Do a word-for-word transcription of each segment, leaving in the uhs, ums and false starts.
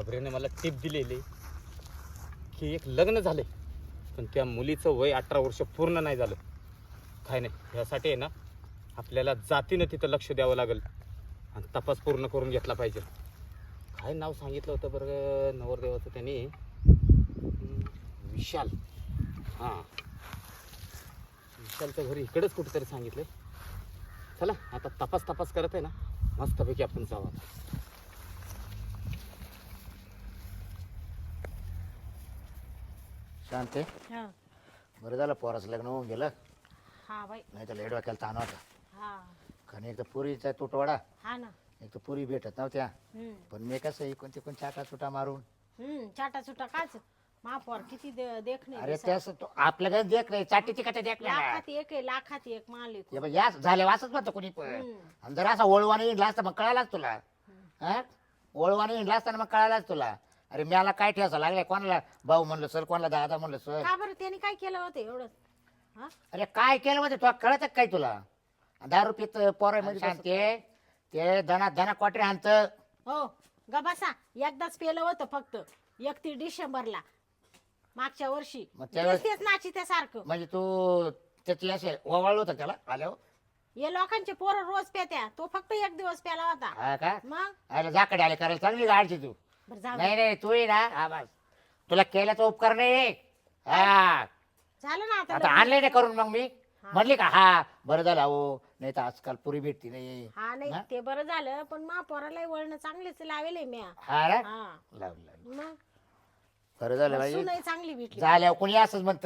खबरेने मला टिप दिलेली की एक लग्न झाले पण त्या मुलीचं वय अठरा वर्ष पूर्ण नाही झालं. काय नाही यासाठी आहे ना आपल्याला जातीनं तिथं लक्ष द्यावं लागेल आणि तपास पूर्ण करून घेतला पाहिजे. काय नाव सांगितलं होतं बरं नवरदेवाचं त्यांनी? हम्म, विशाल. हां विशालचं घरी इकडंच कुठेतरी सांगितलं. चला आता तपास तपास करत आहे ना मस्तपैकी आपण जाऊ आता. शांते हा बरं झालं पोराचं लग्न होऊन गेलं, हा बाई नाही तर लेट वाक्याला ताण होता. हा कारण एक तर पुरीचा तुटवडा, हा ना. एक तर पुरी भेटत नव्हत्या. हम्म पण मी कसं इकून तिकून चाटा चुटा मारून हम्म चाटा चुटा काच महापौर किती दे- देखणे अरे दिसा. त्यास तो आपलं काही देख नाही चाटीची का देख नाही. लाखात एक आहे लाखात एक मालिक. हे बघ, याच झाले वाचत म्हणतो कोणी पण. हम्म. आणि जर असा ओळवाने इंडला असता मग कळालाच तुला. हा ओळवाने इंडला असताना मग कळालाच तुला. अरे मला काय ठेवायचं लागलाय, कोणाला भाऊ म्हणलं सर, कोणाला दादा म्हणलं सर. का बरं त्यांनी काय केलं होतं एवढं? हा अरे काय केलं म्हणजे तुला कळत काय तुला? दारू पित पोरं म्हणजे शांती ते धना धना क्वाटरी आणत. हो ग बसा. एकदाच पेलं होतं फक्त एकतीस डिसेंबरला मागच्या वर्षी. मग त्यावेळेस- तेच तेच नाची त्यासारखं. म्हणजे तू त्याची असे ओवाळलं होतं त्याला आल्यावर. हे लोकांचे पोरं रोज पेत्या, तो फक्त एक दिवस प्याला होता. हा का? मग अरे जाकडे आले करायला चांगली गाडची तू. बरं जाऊ दे. नाही नाही तू ये ना. हा बस तुला केल्याचा उपकार नाही. हा झालं ना आता आता लग्न. आणले नाही करून मग मी हा. म्हणली का हा बरं झालं अहो, नाही तर आजकाल पुरी भेटती नाही. हा नाही हा? ते बरं झालं, पण महापौराला वळण चांगलेच लावेले मी. हा ना हा लावलं लावलं. मग बरं झालं बाई. सुनही चांगली भेटली. झाल्यावर कुणी असंच म्हणत,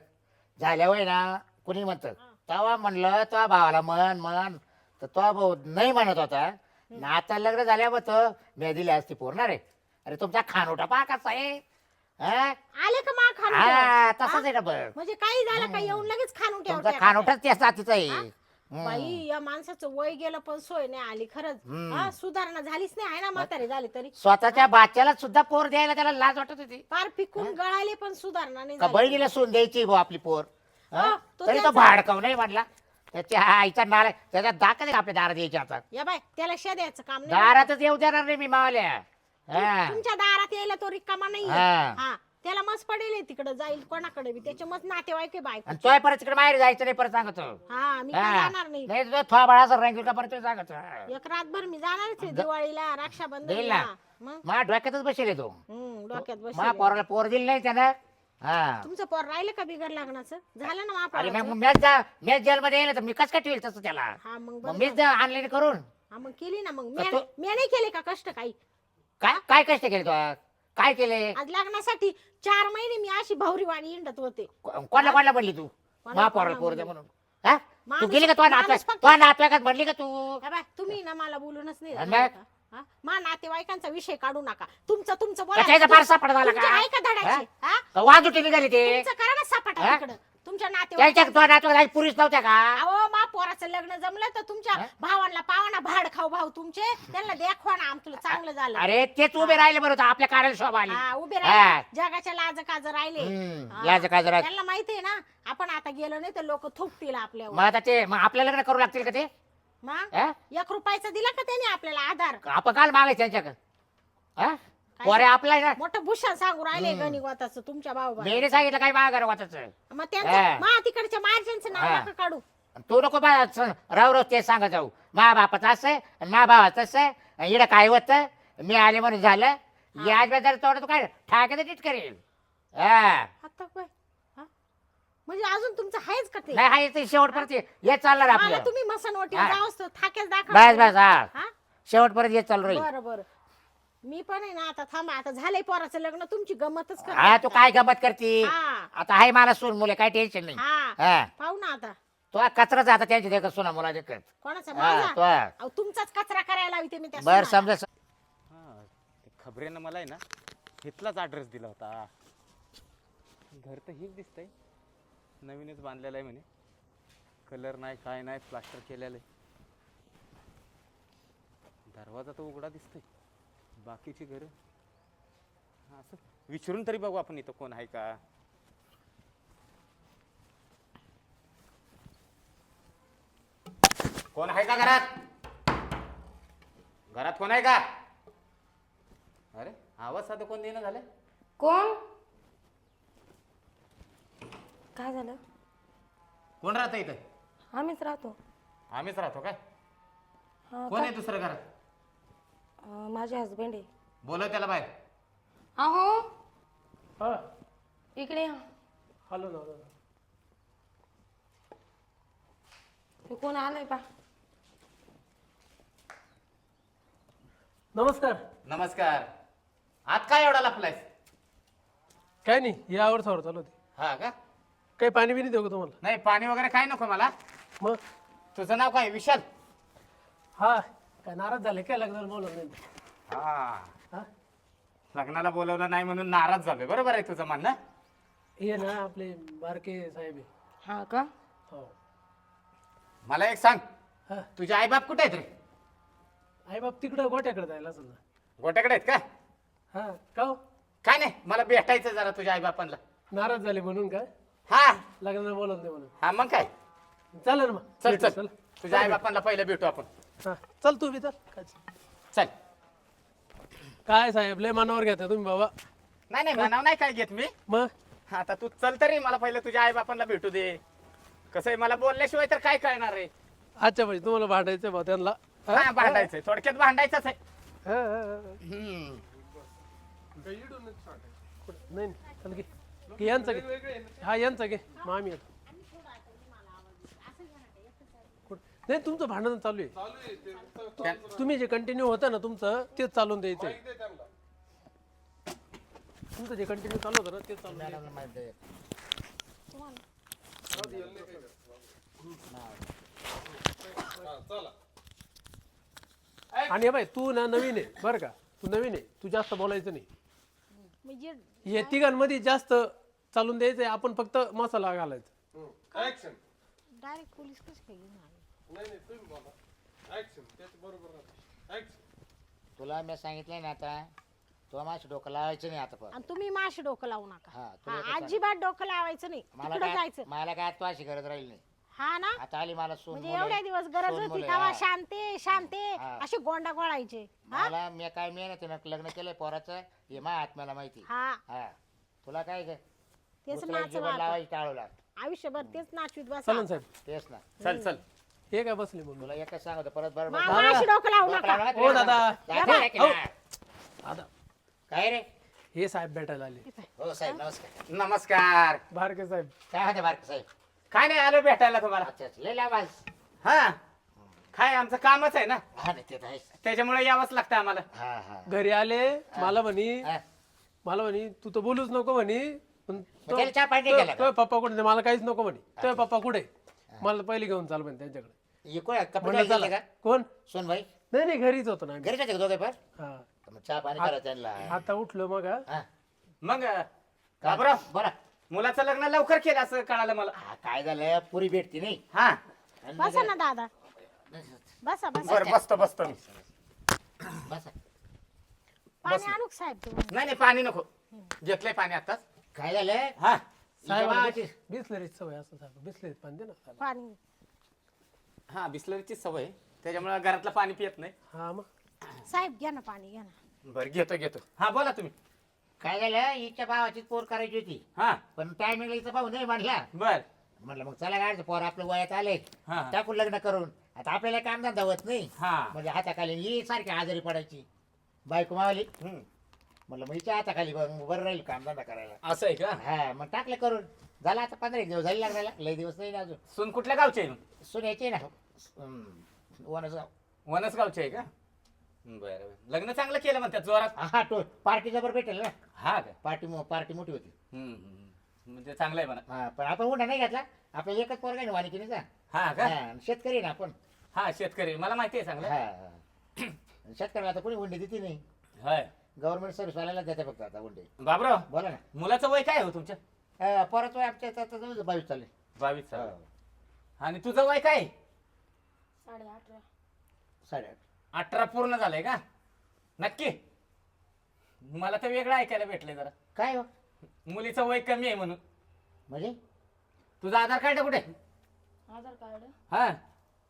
झाल्यावर ना कुणी म्हणत तेव्हा म्हणलं तो भावाला म्हण म्हण तर तो भाऊ नाही म्हणत होता ना. आता लग्न झाल्यावर तो मी दिली असती पोरणार रे. अरे तुमचा खानोटा पहा कसा आहे. हा? आले का मा खान हा तसाच आहे ना बघ. म्हणजे काही झालं का येऊन लगेच खाणून तुमचा ठेवत्या का? खानोटाच त्या जातीचा आहे. हा? हम्म. बाई या माणसाचं वय गेलं पण सोय नाही आली खरंच. हम्म. हा सुधारणा झालीच नाही आहे ना म्हातारी झाली तरी. स्वतःच्या बाच्याला सुद्धा पोर द्यायला त्याला लाज वाटत होती पार पिकून गळाले पण सुधारणा नाही का झाली. बहिणीला सून द्यायची भाऊ आपली पोर. हा? हो, तो तरी तो त्याचा- भाडकाव नाही म्हणला. त्याच्या आईचा नाला त्याच्या दाखत आपल्या दारात यायच्या आता. या बाय त्याला शेद्याचं काम नाही. दारातच येऊ देणार नाही मी मावल्या. हा. तुमच्या दारात यायला तो रिकामा नाही. हा. हा त्याला मस्त पडेल तिकडे जाईल कोणाकडे बी. त्याच्या मस्त नातेवाईक आहे बायको. आणि तोय परत तिकडे बाहेर जायचं नाही परत सांगतो. हा मी काय हा. जाणार नाही. नाही तुझा थोडा बाळाचा रंग का परत सांगतो. एक रातभर मी जाणारच आहे दिवाळीला देईल रक्षाबंधनला. ना. मग मा डोक्यातच बसेल तो. हम्म डोक्यात मा बस. पोराला पोर दिली नाही त्यानं. हा तुमचं पोर राहिलं का बिगर लग्नाचं? झालं ना अरे महापौराचं? मग मॅच जा मॅच जेलमध्ये येईल तर मी कस काय ठेवेल तसं त्याला. हा मग मग बरं मीच झालं. आणलेली करून. हा मग केली ना मग का मी तो- मी नाही केले का कष्ट काही? काय काय कष्ट केले तो? काय केले? आज लग्नासाठी चार महिने मी अशी भावरी वाणी हिंडत होते. को- कोणाला कोणाला म्हणली तू? कोणाला- मा पोराला कोणाला पोर द्या म्हणली? म्हणून. हा तू माणूस- गेली का तो नातवाईक माणूस फक्त- तो नातवाईकात म्हणली का तू? हा बाय तुम्ही ना मला बोलूनच नाही आणि देणार मग? का? हा? मा नातेवाईकांचा विषय काढू नका. तुमचं तुमचं का त्याचा फार सापडा झाला तुमच्या का? आहे का धडाची? हा? का वाद उठे निघाली ते? तुमचं करा ना सपाटा हा? तिकडं. तुमच्या त्याच्या नातेवाईकांचं. तो नातवाईक पुरीच नव्हत्या का? अहो मा पोराचं लग्न जमलं तर तुमच्या हा? भावांना पावाना भाड खाऊ भाऊ तुमचे त्यांना देखवा ना आमचं चांगलं झालं. अरे तेच उभे राहिले बरोबर आपल्या कार्याला शोभा आली. हा उभे हा. राहिले जगाच्या लाज काज राहिले. हम्म, हा. लाज काज राहिले. त्यांना माहितीये ना आपण आता गेलो नाही तर लोक थुकतील आपल्यावर. मग आता ते मग आपल्या लग्न करू लागतील का ते? मग हा? एक रुपयाचा दिला का त्याने आपल्याला आधार? आपण काल मागायचं त्यांच्याकडे. हा पोरे आपला आहे ना. मोठं भूषण सांगू राहिले गणिवाताचं तुमच्या भाऊ मी नाही सांगितलं काय मागा वाचायचं. मग हा. त्यांचं मा तिकडच्या मार्जनचं नाव हा. नका काढू. तू नको बा राव रोज ते सांगत जाऊ. मा बापाचं असं आहे आणि मा भावाचं असं आहे. इकडं काय होतं मी आले म्हणून झालं. याच बेजार तोड तू काय ठाक्याचं नीट करेल. हा आता काय हा? म्हणजे अजून तुमचं आहेच का ते? नाही हा येते शेवटपर्यंत हे चालणार मला आपलं. तुम्ही मसनवटी हा. जाऊस तर थाक्याच बस दाखवा. बस हा हा शेवटपर्यंत येत चालू राहील. बरं बरं मी पण आहे ना आता थांबा. आता झालंय पोराचं लग्न तुमची गमतच करा. हा तू काय गमत करती? हा आता आहे मला सून मुले काय टेन्शन नाही. हा हा पाहू ना आता तो कचराच आता त्यांची देखत सुना मुला देखत. कोणाचा हा माझा? तो अहो, तुमचाच कचरा करायला हवी ते मी त्या बर सुनाला. समजा. हां ते खबरेनं मला आहे ना इथलाच ॲड्रेस दिला होता. घर तर हेच दिसतंय नवीनच बांधलेलं आहे म्हणे. कलर नाही काय नाही प्लास्टर केलेलं आहे. दरवाजा तर उघडा दिसतोय. बाकीची घरं हां असं विचारून तरी बघू आपण इथं कोण आहे का. कोण आहे का घरात? घरात कोण आहे का? अरे आवाज साधं कोण देणं झालं? कोण? काय झालं? कोण राहतं इथं? आम्हीच राहतो. आम्हीच राहतो काय? हा, कोण का? आहे दुसरं घरात? अं, माझे हस्बंड आहे. बोलव त्याला बाहेर. अहो हा इकडे या. हॅलो ना हॅलो ना. हे कोण आलंय पा? नमस्कार. नमस्कार. आत काय एवढा लपलायस? काय नाही यावर सावर चालू होती. हा का? काही पाणी बिनी देऊ का तुम्हाला? नाही पाणी वगैरे काय नको मला. मग तुझं नाव काय? विशाल? हा काय नाराज झाले काय लग्नाला बोलत नाही? हा. हा लग्नाला बोलवलं नाही म्हणून नाराज झालोय. बरोबर आहे तुझं म्हणणं. हे ना आपले बारके साहेब आहे. हा का? हो. मला एक सांग, हा तुझे आईबाप कुठे आहेत रे? आई बाप तिकडं गोट्याकडे जायला असेल ना. गोट्याकडे आहेत का? हा का हो? काय नाही, मला भेटायचं जरा तुझ्या आईबापांना. नाराज झाले म्हणून काय? हा लग्नाला बोलत नाही म्हणून. हा मग काय? चालेल ना मग. चल भेटू, चल तुझ्या आईबापांना पहिलं भेटू आपण. हा चल तू बी चल. काय चल. काय साहेब लय मनावर घेता तुम्ही बाबा. नाही नाही म्हणाव नाही काय घेत मी. मग आता तू चल तरी, मला पहिलं तुझ्या आईबापांना भेटू दे. कसं आहे, मला बोलल्याशिवाय तर काय कळणार आहे? अच्छा भाई तुम्हाला भांडायचं भाऊ त्यांना. हा? हा भांडायचंय, थोडक्यात भांडायचंच आहे. हा, हा, हा. हम्म. नाही नाही चल घे घे यांचं घे. हा यांचं घे मग आम्ही येतो. कुठं? नाही तुमचं भांडण चालू आहे. त्या- तुम्ही जे कंटिन्यू होतं ना तुमचं तेच चालून द्यायचं आहे. तुमचं जे कंटिन्यू चालू होतं ना तेच चालून द्यायचं. मॅडमला माहिती आहे. आणि हे बाई तू ना नवीन आहे बरं का. तू नवीन आहे, तू जास्त बोलायचं नाही. म्हणजे या तिघांमध्ये जास्त चालून द्यायचंय. आपण फक्त मसाला घालायचा. डायरेक्ट पोलीस कसं काय घेऊन आले? तुला मी सांगितलंय ना आता, तुला माझं डोकं लावायचं नाही आता पण. आणि तुम्ही माशी डोकं लावू नका. हा, तुला हा, एकच सांग. अजिबात डोकं लावायचं नाही. मला तिकडे काय जायचं. मला काय आता अशी गरज राहील नाही. हा ना. आता आली मला सून म्हणजे मुलं एवढ्या आहे. दिवस गरज सून होती मुलं आहे, तेव्हा हा. शांते शांते हा. असे गोंडा गोळायचे. हा मला मी काय मेहनतीनं लग्न केलंय पोराचं हे माझ्या आत्म्याला माहिती. हा हा तुला काय ग तेच दुसऱ्या नाच जीवन लावायची टाळू लाग आयुष्यभर तेच नाचवीत बसा. चालन साहेब. तेच ना. चल चल. हे काय बसले म्हणून. तुला एकच सांगतो परत बरोबर मा- माशी डोकं लावू नका. हो दादा. दादा दादा काय रे? हे साहेब भेटायला आले. हो साहेब नमस्कार. नमस्कार. बारके साहेब. काय होते बारक साहेब? काय नाही, आलो भेटायला तुम्हाला. अच्छा अच्छा. लय लांब आहेस. हा काय आमचं कामच आहे ना, हा नाही ते तर आहेस. त्याच्यामुळे यावंच लागतं आम्हाला. हा हा घरी आले मला म्हणी हा. मला म्हणी तू तर बोलूच नको म्हणी. पण तो- त्याला चहा पाणी तो- केला का? तो पप्पा कुठे मला काहीच नको म्हणे. तो पप्पा कुठे मला पहिले घेऊन चाल म्हणे त्यांच्याकडे. हे कोण आहे? कपडे म्हणलं घातले चला. का कोण? सोन भाई नाही नाही घरीच होतो ना आम्ही. घरी जाते का दोघे पण? हा मग चहा पाणी करा त्यांना. आता उठलो मग हा. हा. मग का बाबराव, बरं. मुलाचं लग्न लवकर केलं असं कळालं मला. हा, काय झालं पुरी भेटती नाही. हा आणि मग- बसा ना दादा. बसा बसा. बरं बसतो बसतो मी. बसा. पाणी आणू का साहेब तुम्ही? नाही नाही पाणी नको, घेतलंय पाणी आताच. काय झालं? हा हिच्या भावाची- बिसलरीच सवय असं साहेब. बिसलरीत पाणी दे ना. पाणी हा बिस्लरीची सवय आहे, त्याच्यामुळे घरातलं पाणी पियत नाही. हा मग साहेब घ्या ना पाणी घ्या ना. बरं घेतो घेतो. हा बोला तुम्ही. काय झालं हिच्या भावाची पोर करायची होती हा पण टायमिंगला हिचा भाऊ नाही म्हणला. बर. म्हणलं मग चला गाडचं पोर आपलं वयात आले हा टाकून लग्न करून. आता आपल्याला काम धंदा होत नाही. हा म्हणजे हाताखाली ही सारखी आजारी पडायची बायको मावली. हम्म. म्हणलं मग हिच्या हाताखाली बरं बरं राहील काम धंदा करायला. असं आहे का? हा मग टाकलं करून. झाला आता पंधरा एक दिवस झाले लागला. लय दिवस नाही ना अजून. सून कुठल्या गावचे आहे? सुन्याची ना हम्म, वनसगाव. वनसगावचे आहे का? बरं बरं. लग्न चांगलं केलं म्हणतात जोरात. हा तो पार्टी जबर भेटेल ना. हा का? पार्टी पार्टी मोठी होती. हम्म, हम्म. म्हणजे चांगलं आहे म्हणा. हा पण आपण उंडा नाही घेतला. आपल्याला एकच पोरगा आहे ना वानिकिनीचा. हा का? हा, शेतकरी आहे ना आपण. हा शेतकरी, मला माहिती आहे चांगलं. हा हा. शेतकऱ्याला आता कोणी उंडे देते नाही. होय. गव्हर्नमेंट सर्व्हिस वाल्याला देते फक्त आता उंडे. बाबराव, बोला ना. मुलाचं वय काय हो तुमच्या? अं, परत वय आमच्या आता जवळ बावीस चालले. बावीस साल. आणि तुझं वय काय? साडे अठरा. साडेआठ. अठरा पूर्ण झालंय का? नक्की? मला तर वेगळं ऐकायला भेटलंय जरा. काय हो मुलीचं वय कमी आहे म्हणून. म्हणजे? तुझं आधार कार्ड कुठे? आधार कार्ड हा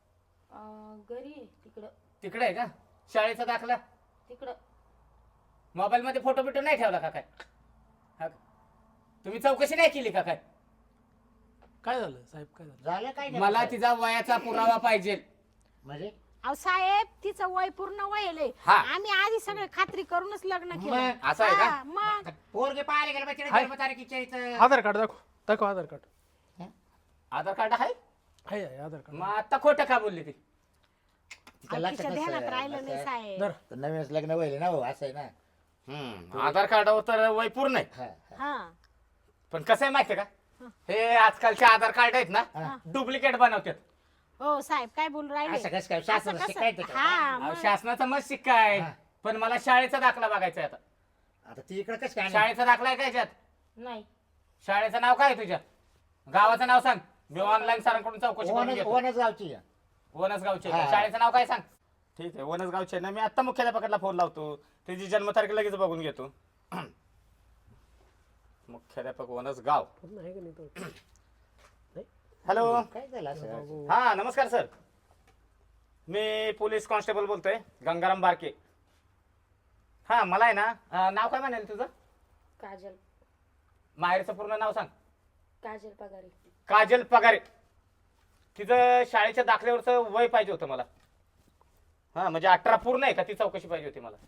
अं, घरी आहे तिकडं. तिकडे आहे का? शाळेचा दाखला? तिकडं मोबाईल मध्ये फोटो बिटो नाही ठेवला का काय? हा का? तुम्ही चौकशी नाही केली का काय? काय झालं साहेब, काय झालं? झालं काय नाही मला साहेब. तिचा वयाचा पुरावा पाहिजे. म्हणजे अहो साहेब तिचं वय पूर्ण वय आहे. हा. आम्ही आधी सगळे खात्री करूनच लग्न केलं. मग असं आहे का? हा, मग पोरगे पाहायला गेलं बा, तिने हाय. जन्मतारखेच्या इथं. आधार कार्ड दाखव, दाखव आधार कार्ड. आधार कार्ड आहे? आहे आहे आधार कार्ड. मग आता खोटं का बोलली ती? तिच्या अहो, तिच्या लक्षात ध्यानात नसेल. राहिलं नाही असं- साहेब. धर. तर नवीनच लग्न व्हायला ना हो, असं आहे ना. हम्म, आधार कार्डावर तर वय पूर्ण आहे. हा, हा. हा पण कसं आहे माहितीये का, हे आजकालचे आधार कार्ड आहेत ना हा. डुप्लिकेट बनवतात. हो साहेब काय बोलू राहिले? असं कसं काय? असं शासनाचं कसं? शिकायचं का? हा अहो, मग. शासनाचा मत शिक्का आहे. हा. पण मला शाळेचा दाखला बघायचा आहे आता. आता ती इकडे कसं काय आणलं? शाळेचा दाखला आहे का याच्यात? नाही. शाळेचं नाव काय आहे तुझ्या? गावाचं नाव सांग, मी ऑनलाईन सरांकडून चौकशी करून वनज- घेतो. वनज गावची आहे. वनसगावचे हा. शाळेचं नाव काय सांग? ठीक आहे, वनसगावचे ना. मी आता मुख्याध्यापकाला फोन लावतो, त्याची जन्मतारीख लगेच बघून घेतो. मुख्याध्यापक वनसगाव. पूर्ण आहे का नाही तो? नाही. हॅलो. काय झालं असं? हा नमस्कार सर, मी पोलीस कॉन्स्टेबल बोलतोय, गंगाराम बारके. हा मला आहे ना, अं, नाव काय म्हणाल तुझं? काजल. माहेरचं पूर्ण नाव सांग. काजल पगारे. काजल पगारे. तिचं शाळेच्या दाखल्यावरचं वय पाहिजे होतं मला. हा म्हणजे अठरा पूर्ण आहे का, ती चौकशी पाहिजे होती मला.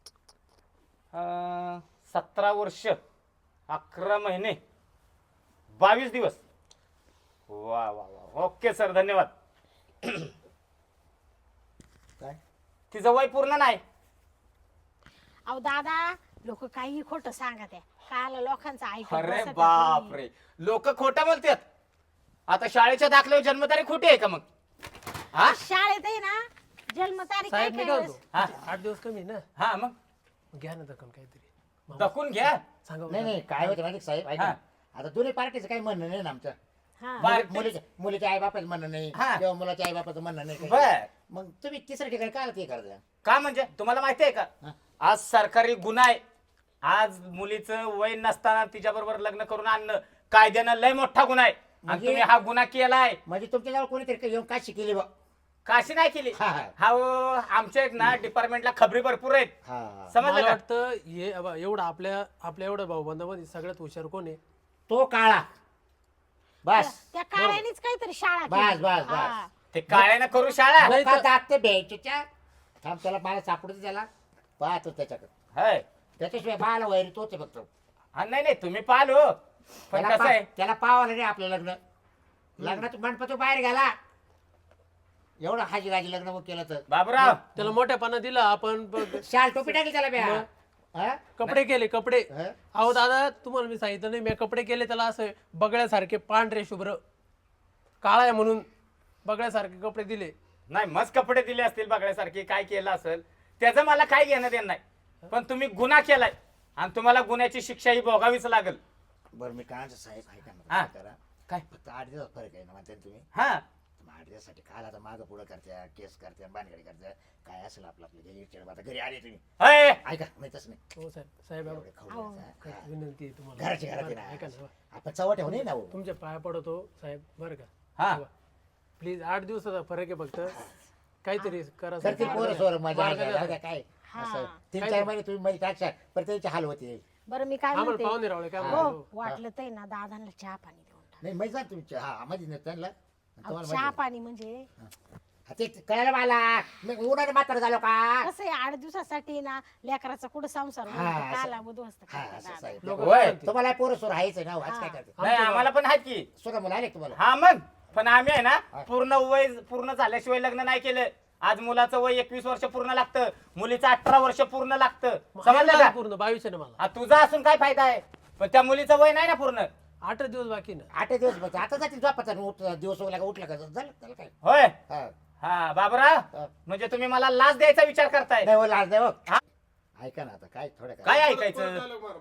अं, सतरा वर्ष अकरा महिने बावीस दिवस. वा वा वा, ओके सर, धन्यवाद. काय? तिचं वय पूर्ण नाही. अहो दादा लोक काही खोटं सांगत आहे. काल लोकांचं ऐकत अरे बसत आहे बाप तुम्ही. रे, लोक खोटं बोलतात. आता शाळेच्या दाखल्यावर जन्मतारीख खोटी आहे का मग? हा शाळेत आहे ना जन्मतारीख काय साहेब मी काय काय वेळेस- होतो, हा. आठ दिवस कमी आहे ना, हा मग मग घ्या ना दखल काहीतरी. मामा, दखून घ्या. सांगा नाही नाही काय होतं माहिती का साहेब, ऐका हा. ना. आता दोन्ही पार्टीचं काही म्हणणं नाही ना आमचं. हा. बा- मुली- मुलीच्या मुलीच्या आई बापाचं म्हणणं नाही हा. किंवा मुलाच्या आई बापाचं म्हणणं नाही काही. बर मग तुम्ही तिसऱ्या ठिकाणी काय ते करता? का म्हणजे तुम्हाला माहिती आहे का, हा. आज सरकारी गुन्हा आहे. आज मुलीचं वय नसताना तिच्या बरोबर लग्न करून आणणं कायद्यानं लय मोठा गुन्हा आहे. आणि म्हणजे- तुम्ही हा गुन्हा केलाय. म्हणजे तुमच्याजवळ कोणीतरी येऊन काय शिकली बा? काशी नाही केली. हा, हा. हा ओ, आमच्या एक ना डिपार्टमेंटला खबरी भरपूर आहेत. हा. समजलं मला का? वाटतं हे अबा, एवढं आपल्या आपल्या एवढ्या भाऊबंधामध्ये सगळ्यात हुशार कोण आहे? तो काळा. बस त्या काळ्यानेच काहीतरी शाळा बस, केली. बस, बस. हा. ते काळ्यानं करू शाळा. नाही का तर- दाखते बँकेच्या थांब, त्याला मला सापडतो, त्याला पाहतो त्याच्याकडे. हाय. त्याच्याशिवाय बाळाला वैरी तोच आहे फक्त. हा, नाही नाही तुम्ही पाहिलो, पण त्याला कसं आहे, पा- त्याला पावाला नाही आपलं लग्न. लग्नात मंडपात तो बाहेर गेला, एवढं हाजी गाजी लग्न मग केलं तर बाबूराव त्याला मोठ्यापणा दिला आपण, ब- शाल टोपी टाकली त्याला ब्या. मग? हा? कपडे केले कपडे. हा? अहो दादा तुम्हाला मी सांगितलं नाही, मी कपडे केले त्याला असं बगळ्यासारखे पांढरे शुभ्र, काळा आहे म्हणून बगळ्यासारखे कपडे दिले. नाही मस्त कपडे दिले असतील बघण्यासारखे, काय केलं असेल त्याचं मला काय घेणं देणं नाही. पण तुम्ही गुन्हा केलाय आणि तुम्हाला गुन्ह्याची शिक्षा ही भोगावीच लागेल. बरं मी काय म्हणतो साहेब, ऐका हा. ना करा. काय? फक्त आठ दिवस फरक आहे ना म्हणते तुम्ही. हा मग आठ दिवसासाठी काल आता मागं पुढं करत्या, केस करत्या, बांधगडी करत्या, काय असेल आपलं आपलं घरी चिड. आता घरी आले तुम्ही, अय, ऐका नाही तसं नाही. हो साहेब, साहेब एवढे खाऊ अहो. द्यायचं. एक हा. विनंती आहे तुम्हाला. घराची घरात आहे बरं, ना. ऐका ना, आपण चवट ठेवू नये ना हो. तुमच्या पाया पडतो साहेब बरं का. हा. प्लीज आठ दिवसाचा फरक आहे फक्त, काहीतरी करा तर ते साहेब. पोरं सोर मजा मार्ग आहे, द्या. जाऊ द्या, काय हा. असं तीन काय चार ते? महिने तुम्ही मध्ये टाकशा पण त्यांची हाल होते. बरं मी काय आम्हाला म्हणते, पाहुणे रावळे काय हो म्हणतो. वाटलं तर ना दादांना चहा पाणी देऊन टाक. नाही माहिती आहे तुमच्या हा मध्ये नाही त्यांना अहो, तुम्हाला चहा माहिती पाणी म्हणजे आहे. हा, ते कळलं मला, मी उन्हाने मात्र झालो का. कसं आहे आठ दिवसासाठी ना लेकराचा कुठं संसार हा, असं. काला उद्ध्वस्त हा करतात असं दादा. साहेब. लोक होय. तुम्हाला पोरं सोर आहेच आहे ना हो, आज काय हा. करते. नाही आम्हाला पण आहेत की. सोरा मुलं आले का तुम्हाला. हा मग पण आम्ही आहे ना पूर्ण वय पूर्ण झाल्याशिवाय लग्न नाही केलं. आज मुलाचं वय एकवीस वर्ष पूर्ण लागतं, मुलीचं अठरा वर्ष पूर्ण लागतं. समजलं का? पूर्ण बावीस आहे ना मला. हा, तुझा असून काय फायदा आहे, पण त्या मुलीचं वय नाही ना पूर्ण. आठ दिवस बाकी ना. आठ दिवस बघ आता जातील झोपाचा उठ दिवस उगला का उठला का झालं त्याला काय. होय. हा. हा बाबूराव, हा. म्हणजे तुम्ही मला लाच द्यायचा विचार करताय. नाही हो लाज नाही हो. हा? ऐका ना आता काय थोडं काय काय. ऐकायचं?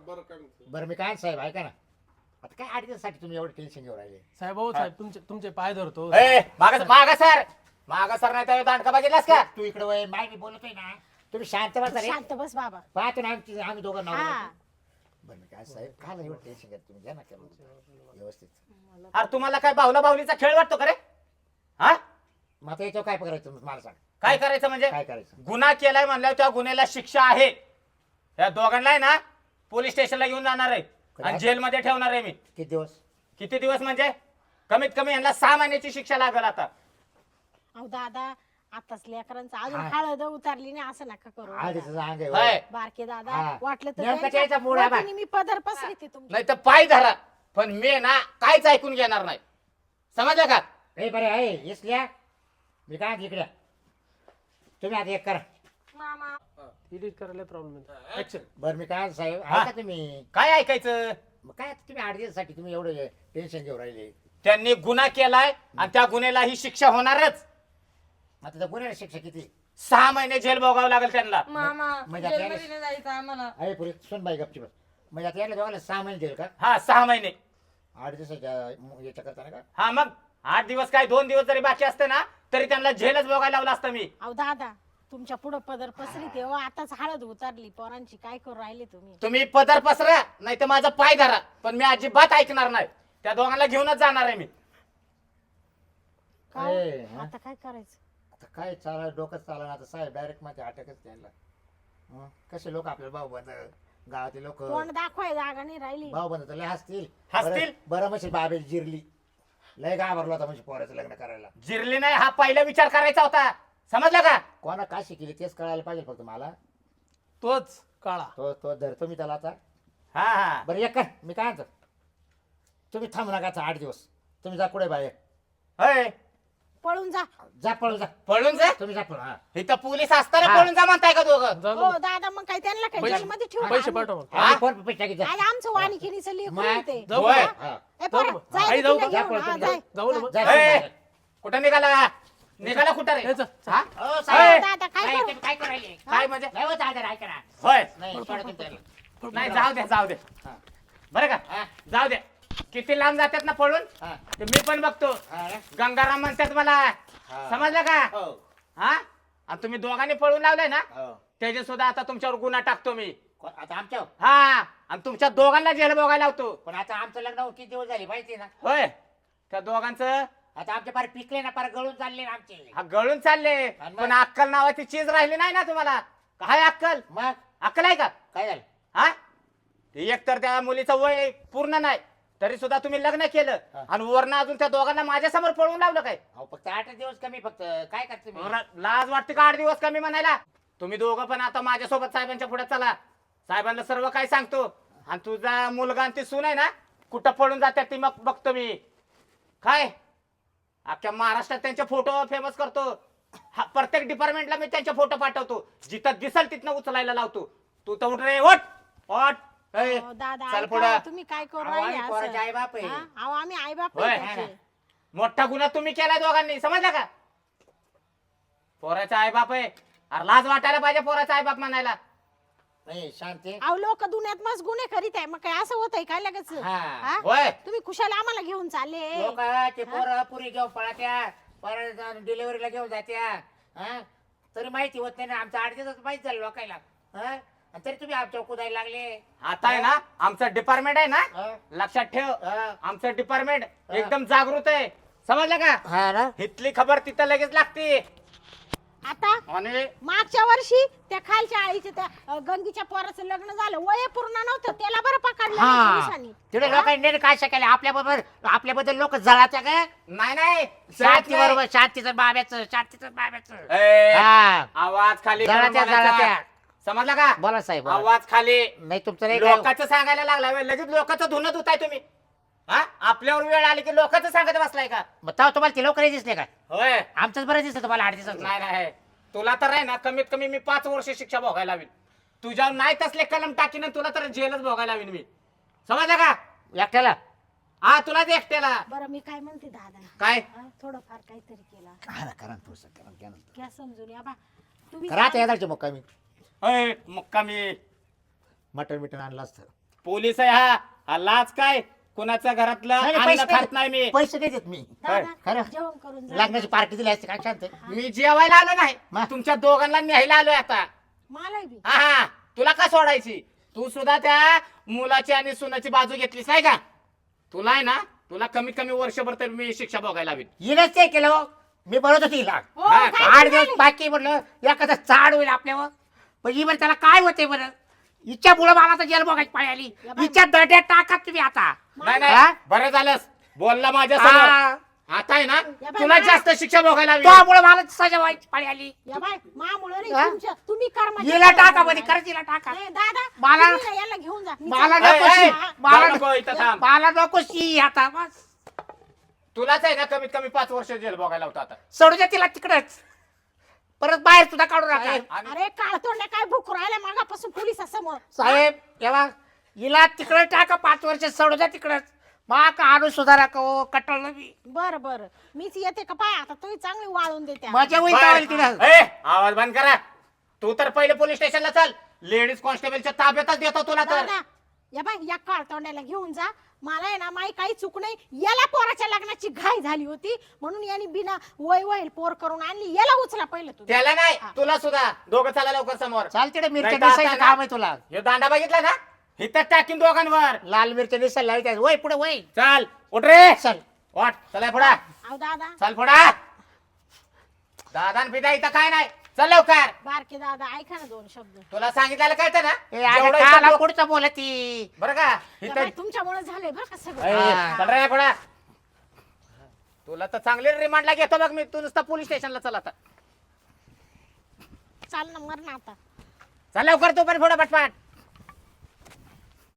बरं मी काय साहेब ऐका ना, आता काय आठ दिवसासाठी तुम्ही एवढं टेन्शन घेऊन राहिले. साहेब भाऊ साहेब तुमचे तुमचे पाय धरतो. ए, मागं मागं सर मागं सर नाही तर दांडका बघितलास का? तू इकडे वय माय मी बोलतोय ना, तुम्ही शांत बसा रे. शांत बस बाबा. पाहतो ना आमची आम्ही दोघं नाव. हा. बरं मी काय साहेब काय एवढं टेन्शन घेत तुम्ही, घ्या ना करून व्यवस्थित. अरे तुम्हाला काय बाहुला बाहुलीचा खेळ वाटतो का रे? हा, मग आता याच्यावर काय करायचं मला सांग. काय करायचं म्हणजे? काय करायचं. गुन्हा केलाय म्हणल्यावर त्या गुन्ह्याला शिक्षा आहे. या दोघांना आहे ना पोलीस स्टेशनला घेऊन जाणार आहे आणि काय? जेलमध्ये ठेवणार आहे मी. किती दिवस? किती दिवस म्हणजे कमीत कमी यांना सहा महिन्याची शिक्षा लागेल आता. अहो दादा आताच लेकरांचं अजून हा. हळद उतारली नाही असं नका करू आधीच दादा. अंग आहे होय. होय. बारके दादा हा. वाटलं तर नेमकं त्यांच्या त्याचा मूड आहे बा. वतीने मी पदर पसरते तुमच्या. नाही तर पाय धरा पण मी ना काहीच ऐकून घेणार नाही. समजलं का? ए बरे आहे इसल्या मी काय इकडे या. तुम्ही आता एक करा. मामा एडिट करायला प्रॉब्लेम ऍक्शन. बरं मी काय साहेब हा. ऐका तुम्ही काय ऐकायचं? मग काय तुम्ही आठ दिवसासाठी तुम्ही एवढं टेन्शन घेऊन राहिले. त्यांनी गुन्हा केलाय आणि त्या गुन्ह्याला ही शिक्षा होणारच. आता त्या गुन्ह्याला शिक्षा किती? सहा महिने जेल भोगावं लागेल त्यांना. मामा म्हणजे आता जेलमध्ये नाही जायचं आम्हाला. अरे पुरी सुन बाई गपची बस. म्हणजे आता याला दोघांना सहा महिने देईल का? हा सहा महिने. आठ दिवसाच्या याच्या करताना का? हा मग आठ दिवस काय दोन दिवस जरी बाकी असते ना तरी त्यांना जेलच भोगायला लावलं असतं मी. अहो दादा तुमच्या पुढं पदर पसरी तेव्हा आताच हळद उतारली पोरांची काय करू राहिले तुम्ही. तुम्ही पदर पसरा नाही तर माझा पाय धरा पण मी अजिबात ऐकणार नाही. त्या दोघांना घेऊनच जाणार आहे मी. काय ए, हा? आता काय करायचं. आता काय चाला डोकंच चाललं आता साहेब डायरेक्ट माझ्या अटकच त्यांना. हं? कसे लोक आपल्याला भाऊ बंद गावातले लोक तोंड दाखवाय जागा नाही राहिली. भाऊ बंद तर लय हसतील. हसतील? बरं- बरं म्हणजे बाबे जिरली लय घाबरलो होता म्हणजे पोराचं लग्न करायला. जिरली नाही हा पहिला विचार करायचा होता. समजलं का? कोणा काय शिकली तेच कळायला पाहिजे फक्त मला. तोच काळा. तो तो धरतो मी त्याला आता. हा हा बरं एक कर मी काय म्हणतो तुम्ही थांबू नका आता आठ दिवस. तुम्ही जा कुठे बाहेर होय पळून जा. जा पळून जा. पळून जा. तुम्ही जा पळून. हा. इथं पोलीस असताना हा. पळून जा म्हणताय का दोघं? जाऊ हो दे. दादा मग काय त्यांना काय पैसे- जेलमध्ये ठेवू पैसे आम्ही? पाठव मग. हा? आणि फोन पे टाकी जा. आज आमचं वाणिकिनीचं लेकरू मग? आहे ते. जाऊ होय. का? हा. ए पोरं, जाऊ. जाय आई रे जाऊ तिला का? जा घेऊन. पळून हा, तुम्ही जाय. जाऊ ना मग. जा ए, पळून. कुठं निघाला? निघाला कुठं रे? ए, चल, चल. हा? ओ, हो, साहेब. दादा काय काय करू. तुम्ही काय करायले? काय म्हणजे? नाही होत दादा ऐका ना. होय. नाही सोडा तुम्ही त्याला. नाही जाऊ दे जाऊ दे. हा. बरं का? हा. जाऊ दे. किती लांब जातात ना पळून हा. ते मी पण बघतो. हा ना? गंगाराम म्हणतात मला. हा. समजलं का? हो. हा आणि तुम्ही दोघांनी पळून लावलंय ना हो. त्याचे सुद्धा आता तुमच्यावर गुन्हा टाकतो मी. कोण- आता आमच्या हा आणि तुमच्या दोघांना जेल बघायला लावतो. पण आता आमचं लग्न होऊन किती दिवस झाले माहिती ना. होय त्या दोघांचं आता आमचे फार पिकले ना फार गळून चालले ना आमचे. हा गळून चालले आणि मग? पण अक्कल नावाची चीज राहिली नाही ना तुम्हाला. काय अक्कल? मग अक्कल आहे का? काय झालं? हा एक तर त्या मुलीचं वय पूर्ण नाही तरी सुद्धा तुम्ही लग्न केलं हा. आणि वरनं अजून त्या दोघांना माझ्या समोर पळवून लावलं काय? अहो फक्त आठ दिवस कमी फक्त काय करते मी? र- लाज वाटते का आठ दिवस कमी म्हणायला? तुम्ही दोघं पण आता माझ्यासोबत साहेबांच्या पुढे चला. साहेबांना सर्व काय सांगतो आणि तुझा मुलगा आणि ती सून आहे ना कुठं पळून जातात ती मग बघतो मी. काय अख्ख्या महाराष्ट्रात त्यांचे फोटो फेमस करतो. हा, प्रत्येक डिपार्टमेंटला मी त्यांचे फोटो पाठवतो. जिथं दिसल तिथनं उचलायला लावतो. तू तर उठ रे ओट ओट. ए, अहो, दादा चल ऐका, पुढं. तुम्ही काय करू अहो, राहिले आम्ही पोराचे असं? आईबाप आहे. हा? अहो आम्ही आई बाप होय. मोठा गुन्हा तुम्ही केलाय दोघांनी. समजला का? पोराचा आईबाप आहे. अरे लाज वाटायला पाहिजे पोराचा आईबाप म्हणायला. नाही शांती. अहो लोक दुनियात मस्त गुन्हे करीत आहे मग काय असं होतंय काय लगेच हा. हा? होय तुम्ही खुशाला आम्हाला घेऊन चालले. लोक ते पोरं पुरी घेऊन पळत्या परत डिलिव्हरीला घेऊन जात्या. हा? तरी माहिती होत नाही ना आमचं आठ दिवस माहिती झालं लोकायला. हा? आणि तरी तुम्ही आमच्यावर कुदायला लागले. आता आहे ना आमचं डिपार्टमेंट आहे ना हा? लक्षात ठेव. हा. आमचं डिपार्टमेंट एकदम जागृत आहे. समजलं का? हा ना? इथली खबर तिथं लगेच लागते. आता आणि मागच्या वर्षी त्या खालच्या आईच्या त्या अ, गंगीच्या पोराचं लग्न झालं वय पूर्ण नव्हतं त्याला बरं पकडलं ना हा पोलिसांनी. तिथे लोकांनी काय शिकायला आपल्याबरोबर आपल्याबद्दल लोक जळात्या का? नाही नाही शांती बरोबर शांतीचं बाब्याचं शांतीचं बाब्याचं. ए, हा आवाज खाली करून जळात्या बोलायचा. जळात्या. समजलं का? बोला साहेब बोला. आवाज खाली. नाही तुमचं नाही काय- लोकांचं सांगायला लागला व्हय. लगेच लोकांचं धुणं धुताय तुम्ही. हा आपल्यावर वेळ आली की लोकांचं सांगत बसलाय का? मग तेव्हा तुम्हाला ते लोक नाही दिसले का? होय आमचंच बरं दिसलं तुम्हाला आठ दिवसात. नाही नाही तुला तर आहे ना कमीत कमी मी पाच वर्ष शिक्षा भोगायला लावीन. तुझ्या नाही तसले कलम टाकीन तुला तर जेलच भोगायला लावीन मी. समजलं का? एकट्याला हा तुलाच एकट्याला. बरं मी काय म्हणते दादा काय हा, थोडंफार काहीतरी केला करा करा थोडंसं करा, घ्या ना. घ्या समजून या बा तुम्ही करा आता येदारचे मुक्कामी होय मुक्कामी मटण बिटन आणलं असतं. पोलीस आहे हा. हा लाज काय कुणाच्या घरातलं नाही, नाही, अन्न पैसे खात नाही मी. पैसे नाही देत मी. दादा, खरं. जेवण करून जा. लग्नाची पार्टी दिली असते काय शांत. मी जेवायला आलो नाही मग? तुमच्या दोघांना न्यायला आलोय आता. मला बी हा हा तुला का सोडायची? तू सुद्धा त्या मुलाची आणि सुनाची बाजू घेतलीस नाही का? तुला आहे ना तुला कमीत कमी वर्षभर तर मी शिक्षा भोगायला हवी. हिनच ते केलं हो. मी बनवत होती हिला. हो, हा, काय आठ झालं? दिवस बाकी म्हटलं एखादा चाड होईल आपल्यावर. पण ही बरं त्याला काय होते बरं हिच्या मुळे मला तर जेल बघायची पाळी आली या बाई- हिच्या दड्यात टाका तुम्ही आता नाही हा? नाही बरं झालंस बोलला माझ्या समोर हा. आता आहे ना बाई, तुला बाई. जास्त शिक्षा भोगायला लागली. त्यामुळे मला सजा व्हायची पाळी आली या बाय मामुळे नाही हा? तुमच्या तुम्ही कर्म हिला टाका मध्ये खरंच हिला टाका नाही दादा मला- तुम्ही ना याला घेऊन जा मी मला चालले. नको ए, ए, शी. हा. मला जाऊ नको इथं थांब. मला नको शी आता बस तुलाच आहे ना कमीत कमी पाच वर्ष जेल भोगायला होता आता सोडू द्या तिला तिकडच परत बाहेर सुद्धा काढू नका आणि- अरे काळतोंड्या काय भूक राहिल्या मागापासून पोलिसासमोर साहेब तेव्हा हिला तिकडे टाका पाच वर्ष सोडू द्या तिकडच मा का आणू सुधारा का हो, कटळलं मी बर बर मीच येते का पाय आता तुम्ही चांगली वाळून देते मजा होईल बरं. त्यावेळी तिला ए, आवाज बंद करा तू तर पहिले पोलीस स्टेशनला चल लेडीज कॉन्स्टेबलच्या ताब्यातच देतो तुला तर दादा या बाय या काळतोंड्याला घेऊन जा मला आहे ना माई काही चूक नाही याला पोराच्या लग्नाची घाई झाली होती म्हणून यांनी बिना वय वय पोर करून आणली याला उचला पहिलं तू त्याला नाही तुला सुद्धा दोघं चला लवकर समोर चाल तिकडे मिरच्या नाही तर आता दिसायचं ना- काम आहे तुला हे दांडा बघितला ना इथं टाकीन दोघांवर लाल मिरच्या दिसायला लावायच्या वय पुढे वय चल उठ रे चल वाट चला पुढा अहो दादा चल पुढा दादा पिता इथं काय नाही चल लवकर बारके दादा ऐका ना दोन शब्द तुला सांगितलेलं कळतं ना ए, अरे जेवढं इथं काला लोक- पुढचं बोलती बरं का या इथं बाई, तुमच्यामुळे झाले बरं का ए, सगळं हा. चल रे पुढा तुला तर चांगले रिमांडला घेतो बघ मी तू नुसतं पोलीस स्टेशनला चल आता चाल ना मर ना आता चल लवकर तू पण पुढे पटपाट